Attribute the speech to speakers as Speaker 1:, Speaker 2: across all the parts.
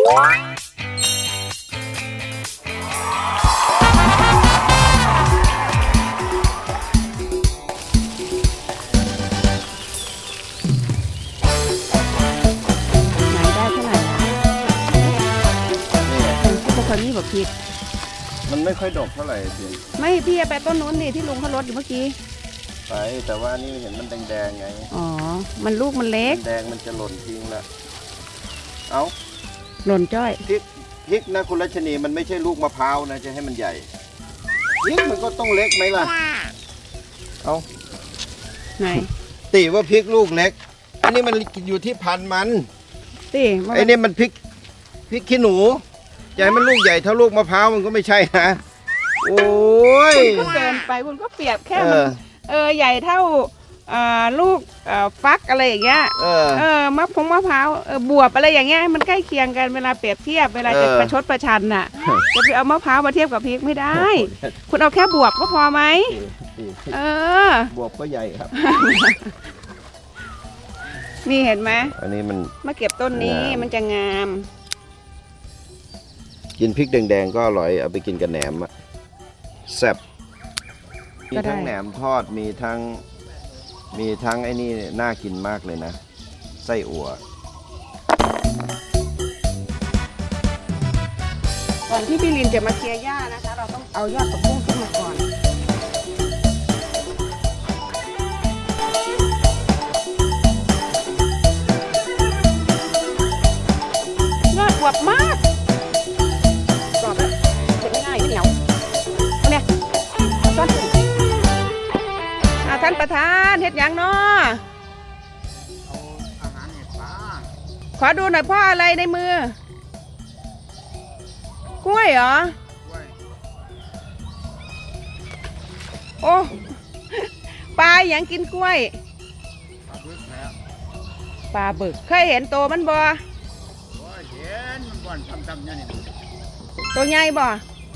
Speaker 1: นี่แบบพริก
Speaker 2: มันไม่ค่อยดกเท่าไหร่เพียง
Speaker 1: ไม่พี่ไปต้นนู้นดิที่ลุงเขาลดอยู่เมื่อกี้
Speaker 2: ไปแต่ว่านี่เห็นมันแดงๆไง
Speaker 1: อ๋อมันลูกมันเล็ก
Speaker 2: แดงมันจะหล่นทิ้งละเอา
Speaker 1: หล่นจ้อย
Speaker 2: พริกนะคุณรัชนีมันไม่ใช่ลูกมะพร้าวนะจะให้มันใหญ่พริกมันก็ต้องเล็กไหมล่ะเอา
Speaker 1: ไหน
Speaker 2: ตีว่าพริกลูกเล็กอันนี้มันอยู่ที่พันมัน
Speaker 1: ตี
Speaker 2: ไอ้นี่มันพริกขี้หนูใหญ่มันลูกใหญ่เท่าลูกมะพร้าวมันก็ไม่ใช่นะโอ้ย
Speaker 1: คุณก็เกินไปคุณก็เปรียบแค่มันใหญ่เท่าลูกฟักอะไรอย่างเงี้ยมะพร้าวบวบอะไรอย่างเงี้ยมันใกล้เคียงกันเวลาเปรียบเทียบเวลาจะประชดประชันน่ะจะไปเอามะพร้าวมาเทียบกับพริกไม่ได้คุณเอาแค่บวบก็พอไหม
Speaker 2: บวบก็ใหญ่ครับ
Speaker 1: นี่เห็นไหม
Speaker 2: อันนี้มัน
Speaker 1: มาเก็บต้นนี้มันจะงาม
Speaker 2: กินพริกแดงๆก็อร่อยเอาไปกินกับแหนมอะแซ่บมีทั้งแหนมทอดมีทั้งไอ้นี่น่ากินมากเลยนะไส้อั่ว
Speaker 1: ก่อนที่พี่ลินจะมาเคลียร์หญ้านะคะเราต้องเอายอดผักบุ้งขึ้นมาก่อนยอดอวบมากท่านประธานเฮ็ดหยังเนาะ
Speaker 3: เอาอาหารเห็ดปลา
Speaker 1: ขอดูหน่อยพ่ออะไรในมือกล้วยเหรอโอ้ปลาหยังกินกล้วย
Speaker 3: ปลาบึกแล้ว
Speaker 1: ปลาบึกเคยเห็นโตมันบ่
Speaker 3: เห็นมันบ่อนทำๆเนี่ย
Speaker 1: ตัวใหญ่บ่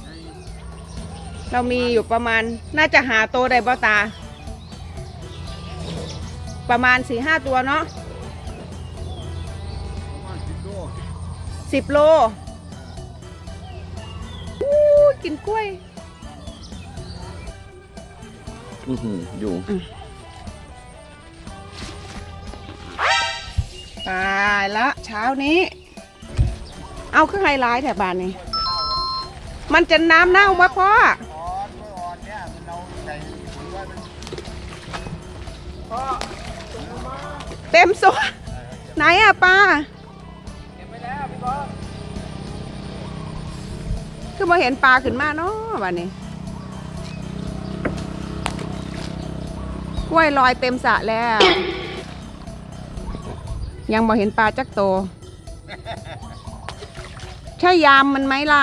Speaker 1: เรามีอยู่ประมาณน่าจะหาโตได้บ่ตาประมาณ 4-5 ตัวเนาะ
Speaker 3: ประมาณ
Speaker 1: 10 โลกินกล้วย
Speaker 2: อยู่
Speaker 1: ตายละเช้านี้เอาเครื่องไฮไลท์แถบบ้านนี้มันจะน้ำเน่ามาพ่อเต็มโซ่ไหนอะปลา
Speaker 3: เก็บไว้แล้วพี่บอส
Speaker 1: คือมาเห็นปลาขึ้นมาเนาะวันนี้กล้วยลอยเต็มสระแล้วยังมาเห็นปลาจักโตใช่ยามมันไหมล่ะ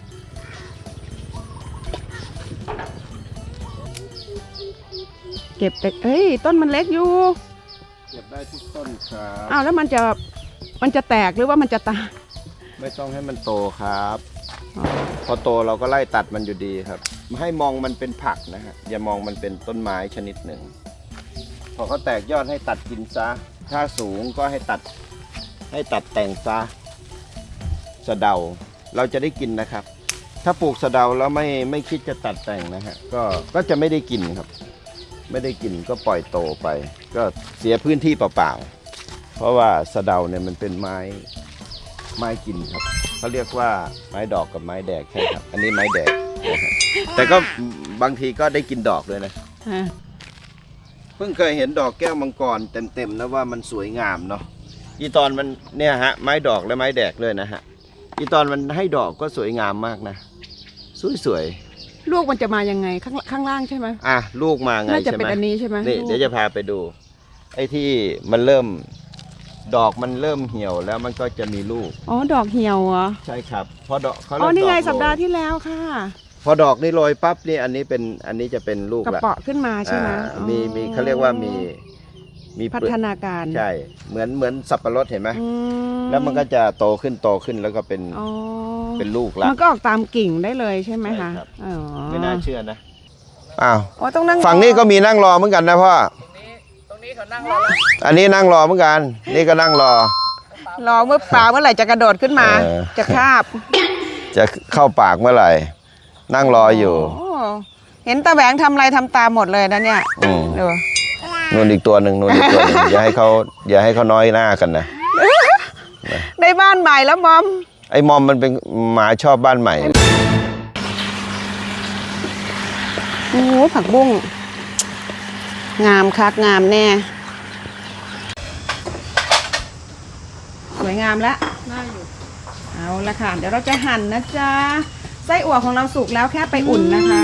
Speaker 1: เก็บแต่เฮ้ยต้นมันเล็กอยู่
Speaker 2: เก็บได้ทุกต้นครับ
Speaker 1: อ้าวแล้วมันจะแตกหรือว่ามันจะตาย
Speaker 2: ไม่ต้องให้มันโตครับพอโตเราก็ไล่ตัดมันอยู่ดีครับให้มองมันเป็นผักนะฮะอย่ามองมันเป็นต้นไม้ชนิดหนึ่งพอเขาแตกยอดให้ตัดกินซะถ้าสูงก็ให้ตัดแต่งซะสะเดาเราจะได้กินนะครับถ้าปลูกสะเดาแล้วไม่คิดจะตัดแต่งนะฮะก็จะไม่ได้กินครับไม่ได้กินก็ปล่อยโตไปก็เสียพื้นที่เปล่าๆเพราะว่าสะเดาเนี่ยมันเป็นไม้กินครับเขาเรียกว่าไม้ดอกกับไม้แดกใช่ครับอันนี้ไม้แดกแต่ก็บางทีก็ได้กินดอกด้วยนะเพิ่งเคยเห็นดอกแก้วมังกรเต็มๆนะว่ามันสวยงามเนาะอีตอนมันเนี่ยฮะไม้ดอกและไม้แดกเลยนะฮะอีตอนมันให้ดอกก็สวยงามมากนะสวย
Speaker 1: ลูกมันจะมายังไงข้างล่างใช่ไหม
Speaker 2: ลูกมาไง
Speaker 1: น่าจะเป็นอันนี้ใช่ไหม
Speaker 2: นี่เดี๋ยวจะพาไปดูไอ้ที่มันเริ่มดอกมันเริ่มเหี่ยวแล้วมันก็จะมีลูก
Speaker 1: ดอกเหี่ยวเหรอ
Speaker 2: ใช่ครับพอดอกเขา
Speaker 1: นี่ไงสัปดาห์ที่แล้วค่ะ
Speaker 2: พอดอกนี่โรยปั๊บนี่อันนี้จะเป็นลูก
Speaker 1: กระเปาะขึ้นมาใช่ไหม
Speaker 2: มีเขาเรียกว่ามี
Speaker 1: พัฒนาการ
Speaker 2: ใช่เหมือนสับปะรดเห็นไหมแล้วมันก็จะโตขึ้นแล้วก็เป็นลูกละ
Speaker 1: มันก็ออกตามกิ่งได้เลยใช่ไหมคะ
Speaker 2: ไม่น่าเชื่อนะ
Speaker 1: ต้องนั่ง
Speaker 2: ฝั่งนี้ก็มีนั่งรอเหมือนกันนะพ่อ
Speaker 3: ตรงนี้เขานั่งรอ
Speaker 2: อันนี้นั่งรอเหมือนกันนี่ก็นั่งรอ
Speaker 1: รอเมื่อปลาเมื่อไหร่จะกระโดดขึ้นมา จะคาบ
Speaker 2: จะเข้าปากเมื่อไหร่ นั่งรออยู่
Speaker 1: โอ้เห็นตาแหวงทำอะไรทำตามหมดเลยนะเนี่ยดู
Speaker 2: นู่นอีกตัวหนึ่งอย่าให้เขาน้อยหน้ากันนะ
Speaker 1: ได้บ้านใหม่แล้วมอม
Speaker 2: ไอ้มอมมันเป็นหมาชอบบ้านใหม่
Speaker 1: โอ้โหผักบุ้งงามคักงามแน่สวยงามแล้วน่าอยู่เอาละค่ะเดี๋ยวเราจะหั่นนะจ๊ะไส้อั่วของเราสุกแล้วแค่ไปอุ่นนะคะ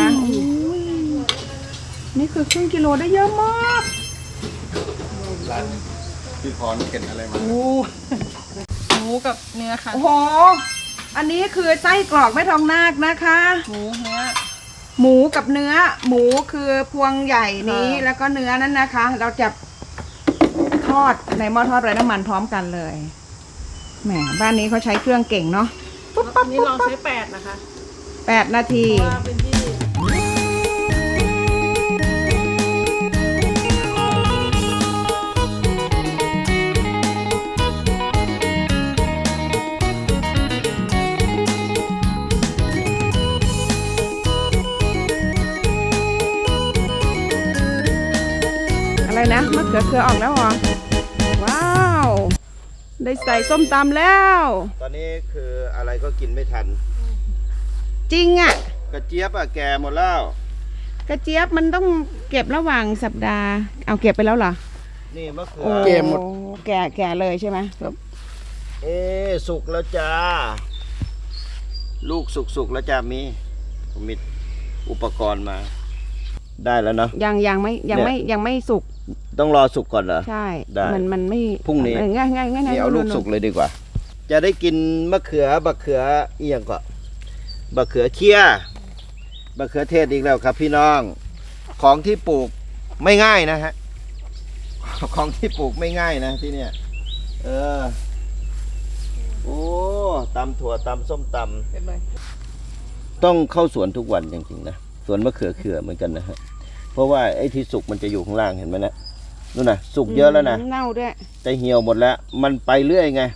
Speaker 1: นี่คือครึ่งกิโลได้เยอะมาก
Speaker 2: พี่พรเก็บอะไรมา
Speaker 4: หมูกับเนื้อค่ะ
Speaker 1: โอ้โหอันนี้คือไส้กรอกแม่ทองนาคนะคะ
Speaker 4: หมูเนื้อ
Speaker 1: หมูกับเนื้อหมูคือพวงใหญ่นี้
Speaker 4: ค่ะ
Speaker 1: แล้วก็เนื้อนั้นนะคะ เราจะทอดในหม้อทอดไร้น้ำมันพร้อมกันเลยแหมบ้านนี้เขาใช้เครื่องเก่งเนาะปุ๊บปั๊บ
Speaker 4: อันนี้ลองใช้8นะคะ
Speaker 1: 8 นาที
Speaker 4: ว่าเป็นที่
Speaker 1: อะไรนะมะเขือเขือออกแล้วเหรอว้าวได้ใส่ส้มตำแล้ว
Speaker 2: ตอนนี้คืออะไรก็กินไม่ทัน
Speaker 1: จริงอ่ะ
Speaker 2: กระเจี๊ยบแก่หมดแล้ว
Speaker 1: กระเจี๊ยบมันต้องเก็บระหว่างสัปดาห์เอาเก็บไปแล้วเหรอ
Speaker 2: นี่มะเขื
Speaker 1: โอ้
Speaker 2: อ
Speaker 1: แก่เลยใช่ไหม
Speaker 2: สุกแล้วจ้า ลูกสุกแล้วจ้าผมมีอุปกรณ์มา ได้แล้วเนาะ
Speaker 1: ยังไม่สุก
Speaker 2: ต้องรอสุกก่อนเหรอ
Speaker 1: ใช่
Speaker 2: ได้
Speaker 1: มันไม่
Speaker 2: พรุ่งนี้
Speaker 1: ง่าย
Speaker 2: นี่เอาลูกสุกเลยดีกว่า จะได้กินบักเขือเอียงก่อนบักเขือเคี้ยบักเขือเทศอีกแล้วครับพี่น้อง ของที่ปลูกไม่ง่ายนะฮะ ของที่ปลูกไม่ง่ายนะที่เนี่ย โอ้ตำถั่วตำส้มตำต้องเข้าสวนทุกวันจริงๆนะสวนมะเขือเขือเหมือนกันนะฮะเพราะว่าไอ้ที่สุกมันจะอยู่ข้างล่างเห็นไหมนะนู่นนะสุกเยอะแล้วนะ
Speaker 1: เน่าด้วย
Speaker 2: แต่เหี่ยวหมดแล้ว มันไปเรื่อยไง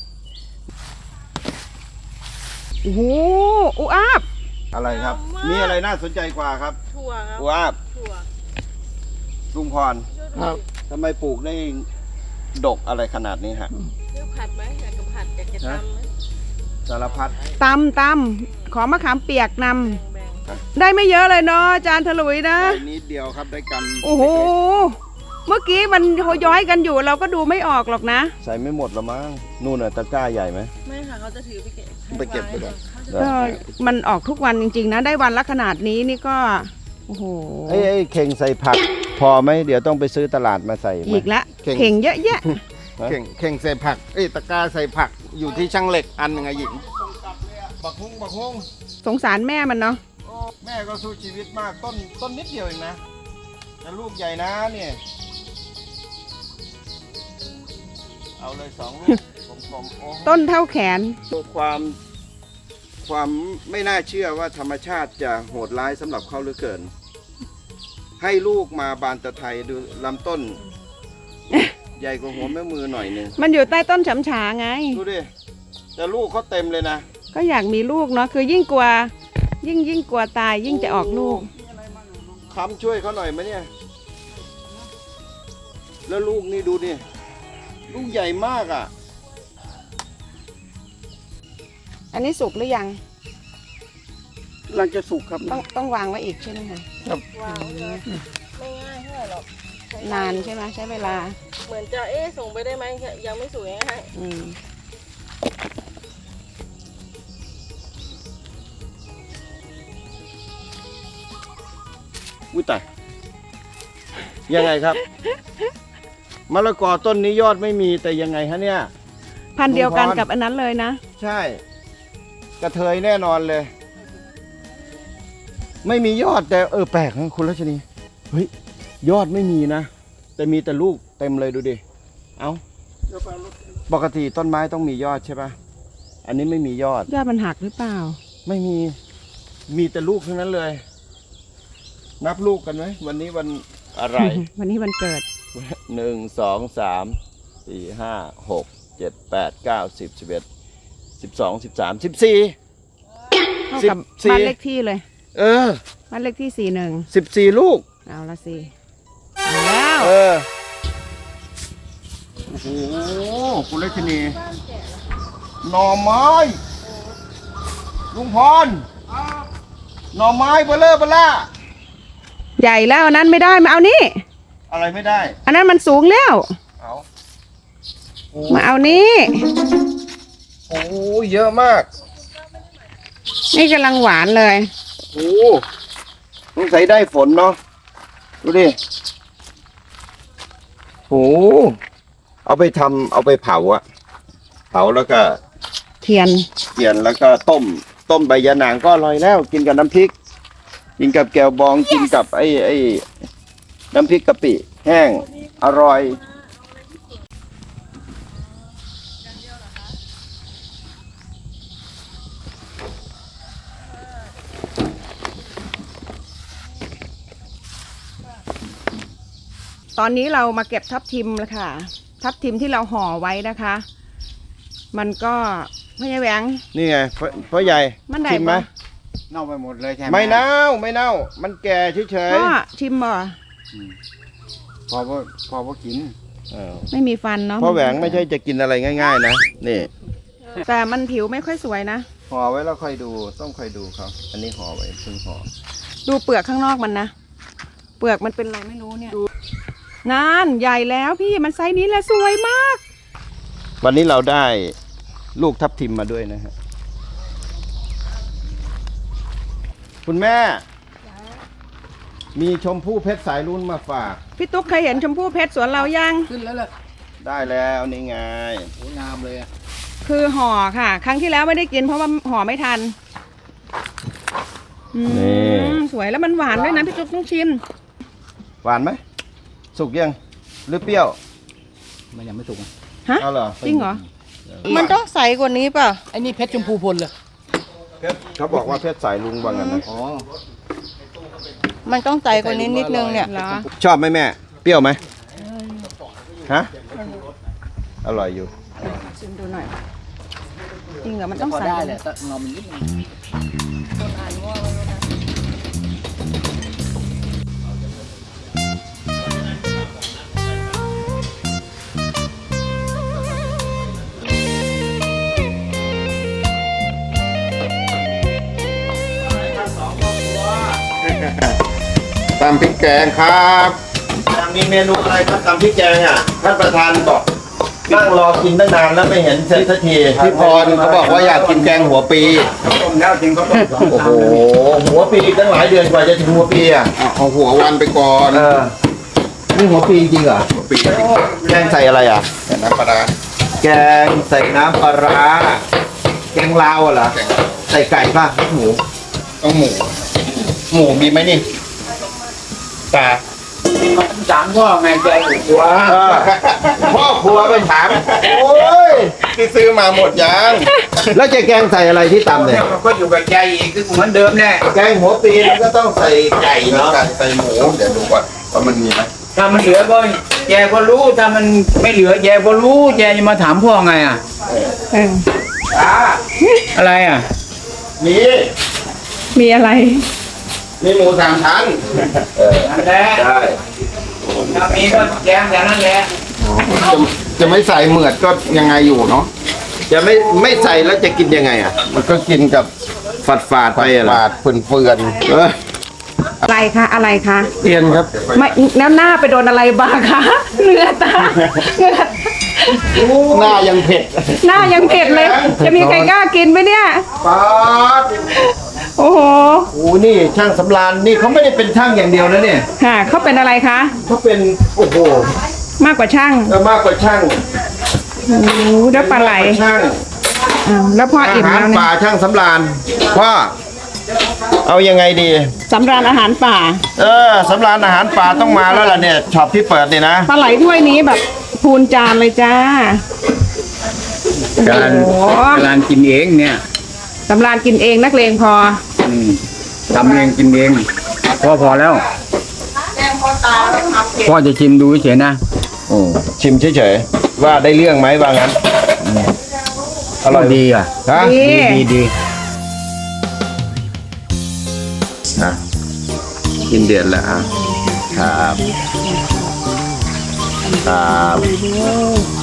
Speaker 1: โอ้โหอุอาบ
Speaker 2: อะไรครับ มีอะไรน่าสนใจกว่าครับ
Speaker 4: ถั่วครับ
Speaker 2: ว้าบ
Speaker 4: ถั่ว
Speaker 2: ลุงพร
Speaker 4: ครับ
Speaker 2: ทำไมปลูกได้ดกอะไรขนาดนี้ฮะ
Speaker 4: เลือกผัดไหมอยากจะผัดอยากจะตำไหม
Speaker 2: สารพัด
Speaker 1: ตำขอมะขามเปียกน
Speaker 4: แบ่ง
Speaker 1: ำได้ไม่เยอะเลยเนาะอาจารย์ถลุยนะ
Speaker 2: ได้นิดเดียวครับได้กำ
Speaker 1: โอ้โห เมื่อกี้มันโหย้อยกันอยู่เราก็ดูไม่ออกหรอกนะ
Speaker 2: ใส่ไม่หมดละมั้งนู่นน่ะตะกร้าใหญ่ไหม
Speaker 4: ไม่ค่ะเขาจะถือไปเก็บ
Speaker 2: ไปเก็บไปก่อน
Speaker 1: ก็มันออกทุกวันจริงๆนะ ได้วันละขนาดนี้นี่ก็ โอ้โห
Speaker 2: ไอ้เข่งใส่ผัก พอไหมเดี๋ยวต้องไปซื้อตลาดมาใส่ไหม
Speaker 1: อีกละ
Speaker 3: เข่ง
Speaker 1: เข่งเยอะแยะ
Speaker 3: เข่งใส่ผักตะกร้าใส่ผักอยู่ที่ช่างเหล็กอันหนึ่งอะหญิงบักฮุ้ง
Speaker 1: สงสารแม่มันเนาะ
Speaker 3: แม่ก็สู้ชีวิตมากต้นนิดเดียวเองนะแต่ลูกใหญ่นะเนี่ยเอาเลย2 ลูกผมโอ้
Speaker 1: ต้นเท่าแขน
Speaker 2: ความไม่น่าเชื่อว่าธรรมชาติจะโหดร้ายสำหรับเขาเหลือเกิน ให้ลูกมาบานตะไทยดูลำต้น ใหญ่กว่าหัวแม่มือหน่อยหนึง
Speaker 1: มันอยู่ใต้ต้นฉำฉาไง
Speaker 2: ดูดิแต่ลูกเขาเต็มเลยนะ
Speaker 1: ก็อยากมีลูกเนาะคือยิ่งกลัวยิ่งกลัวตายยิ่งจะออกลูก
Speaker 2: ค้ำช่วยเขาหน่อยไหมเนี่ย แล้วลูกนี่ดูดิลูกใหญ่มากอ่ะ
Speaker 1: อันนี้สุกหรือยัง
Speaker 3: หลังจะสุกครับ
Speaker 1: ต้องวางไว้อีกใช่ไหมคะ
Speaker 4: วางเลยไม่ง่ายเท่าไหร่หรอกใช้
Speaker 1: นานใช่ไหมใช้เวลา
Speaker 4: เหมือนจะส่งไปได้ไหมยังไม่สวยให้
Speaker 1: อืม
Speaker 2: อุ้ยตายยังไงครับ มะละกอต้นนี้ยอดไม่มีแต่ยังไงฮะเนี่ย
Speaker 1: พันธุ์เดียวกัน
Speaker 2: ลุงพร
Speaker 1: กับอันนั้นเลยนะ
Speaker 2: ใช่ กระเทยแน่นอนเลย ไม่มียอดแต่แปลกนะคุณรัชนีเฮ้ยยอดไม่มีนะ แต่มีแต่ลูกเต็มเลยดูดิ เอาปกติต้นไม้ต้องมียอดใช่ปะอันนี้ไม่มียอด
Speaker 1: ยอดมันหักหรือเปล่า
Speaker 2: ไม่มีแต่ลูกทั้งนั้นเลย นับลูกกันไหมวันนี้วันอะไร
Speaker 1: วันนี้วันเกิด
Speaker 2: 1 2 3 4 5 6 7 8 9 10 11 12 13 14
Speaker 1: เท่ากับ
Speaker 2: 14
Speaker 1: บ้านเลขที่เลย
Speaker 2: เออ
Speaker 1: บ้านเลขที่41
Speaker 2: 14 ลูก
Speaker 1: เอาละสิเอาแล้ว
Speaker 2: เออ โอ้โหคุณเลชนีหน่อไม้ลุงพรหน่อไม้เบลอเบล่า
Speaker 1: ใหญ่แล้วอันนั้นไม่ได้มาเอานี่
Speaker 2: อะไรไม่ได้
Speaker 1: อันนั้นมันสูงแล้ว
Speaker 2: เอาโอ้
Speaker 1: มาเอานี่
Speaker 2: โหเยอะมาก
Speaker 1: นี่กำลังหวานเลย
Speaker 2: โอ้ต้องใส่ได้ฝนเนาะดูดิโอ้เอาไปทำเอาไปเผาอะเผาแล้วก็
Speaker 1: เทียน
Speaker 2: เกี่ยนแล้วก็ต้มใบยะนางก็อร่อยแล้ว กินกับน้ำพริก กินกับแกวบองกินกับไอ้น้ำพริกกะปิแห้งอร่อย
Speaker 1: ตอนนี้เรามาเก็บทับทิมแล้วค่ะ ทับทิมที่เราห่อไว้นะคะ มันก็ไม่ใช่แหวง
Speaker 2: นี่ไงพ่อใหญ่
Speaker 1: มันได้
Speaker 2: ชิมไหม
Speaker 1: ปะ
Speaker 3: เน่าไปหมดเลยใช่ไหม
Speaker 2: ไม่เน่าไม่เน่า มันแก่เฉย
Speaker 1: พ่อชิมบ่
Speaker 3: พอว่ากิน
Speaker 2: ๆเออ
Speaker 1: ไม่มีฟันเนาะ
Speaker 2: พ่อแหวงไม่ใช่จะกินอะไรง่ายๆนะนี่
Speaker 1: แต่มันผิวไม่ค่อยสวยนะ
Speaker 2: ห่อไว้แล้วค่อยดูต้องค่อยดูเขาอันนี้ห่อไว้เพิ่งห่อ
Speaker 1: ดูเปลือกข้างนอกมันนะ เปลือกมันเป็นอะไรไม่รู้เนี่ยนานใหญ่แล้วพี่มันไซส์นี้แหละสวยมาก
Speaker 2: วันนี้เราได้ลูกทับทิมมาด้วยนะฮะคุณแม่ มีชมพู่เพชรสายรุ่นมาฝาก
Speaker 1: พี่ตุ๊กเคยเห็นชมพู่เพชรสวนเรายัง
Speaker 3: ขึ้นแล้วแหละ
Speaker 2: ได้แล้วนี่ไง
Speaker 3: โอ้งามเลยอะ
Speaker 1: คือห่อค่ะ ครั้งที่แล้วไม่ได้กินเพราะว่าห่อไม่ทันอืมสวยแล้วมันหวานด้วยนะพี่ตุ๊กต้องชิม
Speaker 2: หวานไหมสุกยังหรือเปรี้ยว
Speaker 3: มันยังไม่สุก
Speaker 1: ฮะ
Speaker 2: เอาเหรอ
Speaker 1: จริงเหรอ
Speaker 4: มันต้องใสกว่านี้เปล่ะ
Speaker 3: ไอ้นี่เพชรชมพูพลเลย
Speaker 2: เพชรเขาบอกว่าเพชรสายลุงว่างั้นนะ
Speaker 3: อ๋อ
Speaker 4: มันต้องใสกว่านี้นิดนึงเนี่ย
Speaker 1: เหรอ
Speaker 2: ชอบไหมแม่ เปรี้ยวไหมฮะอร่อยอยู่
Speaker 1: ชิมดูหน่อย จริงเหรอมันต้อง
Speaker 3: พอ
Speaker 1: ใส่
Speaker 3: ได้แหละแต่งอมันนิดนึง
Speaker 2: ตำพริกแกงครับมีเมนูอะไรครับตำพริกแกงอ่ะท่านประธานบอกนั่งรอกินตั้งนานแล้วไม่เห็นเสร็จสักทีพี่พรเขาบอกว่าอยากกินแกงหัวปีโอ้โหหัวปีตั้งหลายเดือนกว่าจะถึงหัวปีอ่ะ
Speaker 3: เอาหัววันไปก่อน
Speaker 2: นี่หัวปีจริงเหรอหัวปีแกงใส่อะไรอ่ะ
Speaker 3: แต่น้ำปลาร้า
Speaker 2: แกงใส่น้ำปลาร้าแกงลาวเหรอใส่ไก่ป่ะหมู
Speaker 3: ต้องหมู
Speaker 2: หมูมีไหมนี่ตา
Speaker 3: ถามพ่อไงใจหัว
Speaker 2: พ่อครัวไปถาม โอ้ย
Speaker 3: ที่ซื้อมาหมดยัง
Speaker 2: แล้วจะแกงใส่อะไรที่ตำเนี่ย
Speaker 3: มันก็อยู่กับใจอีกคือเหมือนเดิมแน่
Speaker 2: แกงหัวปีมันก็ต้องใส่ไก่เนาะ
Speaker 3: ไก่ใส่หมูเดี๋ยวดูก่อนว่ามันมีไหม
Speaker 5: ถ้ามันเหลือก็แกก็รู้ถ้ามันไม่เหลือแกก็รู้แกจะมาถามพ่อไงอ่ะ
Speaker 1: เออ
Speaker 5: อะไรอ่ะ
Speaker 2: มี
Speaker 1: มีอะไร
Speaker 3: มีหมูสามชั้น
Speaker 5: นั่นแหละ
Speaker 2: ได้
Speaker 5: ถ้ามีก็แกงอย่างนั้นแหละ
Speaker 3: จะไม่ใส่เหมือดก็ยังไงอยู่เนาะ
Speaker 2: จะไม่ใส่แล้วจะกินยังไงอ่ะ
Speaker 3: มันก็กินกับ
Speaker 2: ฝาดไปอะเหรอบ
Speaker 3: าดเฟือน
Speaker 2: เออ
Speaker 1: อะไรคะอะไรคะ
Speaker 3: ๆเตียนครับ
Speaker 1: ไม่แล้วหน้าไปโดนอะไรบ้างคะเหงื่อตาเหงื่อ
Speaker 3: หน้ายังเผ็ด
Speaker 1: หน้ายังเผ็ดเลย จะมีใครกล้ากินไหมเนี่ย
Speaker 2: ป๊าด
Speaker 1: โอ้โห
Speaker 2: โอ้นี่ช่างสำราญนี่เขาไม่ได้เป็นช่างอย่างเดียวนะเนี่ย
Speaker 1: ค่ะเขาเป็นอะไรคะ
Speaker 2: เขาเป็นโอ้โห
Speaker 1: มากกว่าช่าง
Speaker 2: มากกว่าช่าง
Speaker 1: โอ้โหแล้วปลาไหล
Speaker 2: มกกว่ช่าง
Speaker 1: อ้าวแล้วพ่อ
Speaker 2: อา
Speaker 1: อิ่ม
Speaker 2: หาร
Speaker 1: แล้วเนี่
Speaker 2: ป่ายช่างสำราญพ่อเอายังไงดี
Speaker 1: สำราญอาหารป่า
Speaker 2: สำราญอาหารป่าต้องมาแล้วล่ะเนี่ยช็อปที่เปิดนี่นะ
Speaker 1: ปลาไหลถ้วยนี้แบบพูนจานเลยจ้า
Speaker 5: การ
Speaker 1: โอ้โห
Speaker 5: การกินเองเนี่ย
Speaker 1: สำราญกินเองนักเลงพอ
Speaker 5: ทำเองกินเองพอแล้วพ่อจะชิมดูเฉยๆนะ
Speaker 2: ชิมเฉยๆว่าได้เรื่องไหมว่างั้นอร่อย
Speaker 5: ดีอ่ะ
Speaker 2: ฮะ
Speaker 1: ดี
Speaker 5: ดี
Speaker 2: อ่ะกินเดือดแล้วอ่ะครับครับ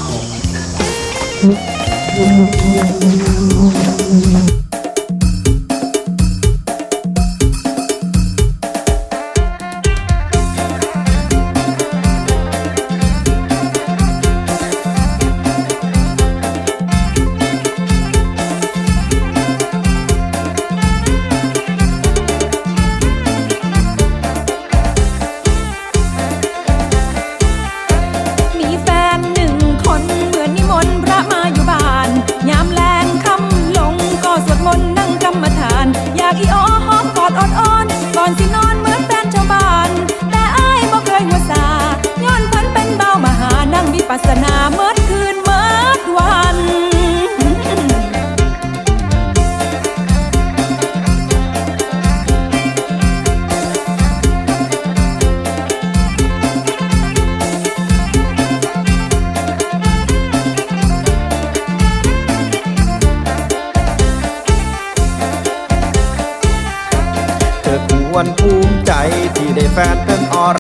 Speaker 6: มีแฟนหนึ่งคนเหมือนนิมนต์พระมาอยู่บ้านยามแลงค่ำลงก็สวดมนต์นั่งกรรมฐาน อยากอีอ้อหอมกอดอ่อนๆก่อนสินอนเหมือนแฟนชาวบ้าน แต่อ้ายบ่เคยหัวซาย้อนเพิ่นเป็นเบามหานั่งวิปัสสนาเมื่อคืนเมื่อวัน
Speaker 2: เธอควรภูมิใจที่ได้แฟนเป็นอร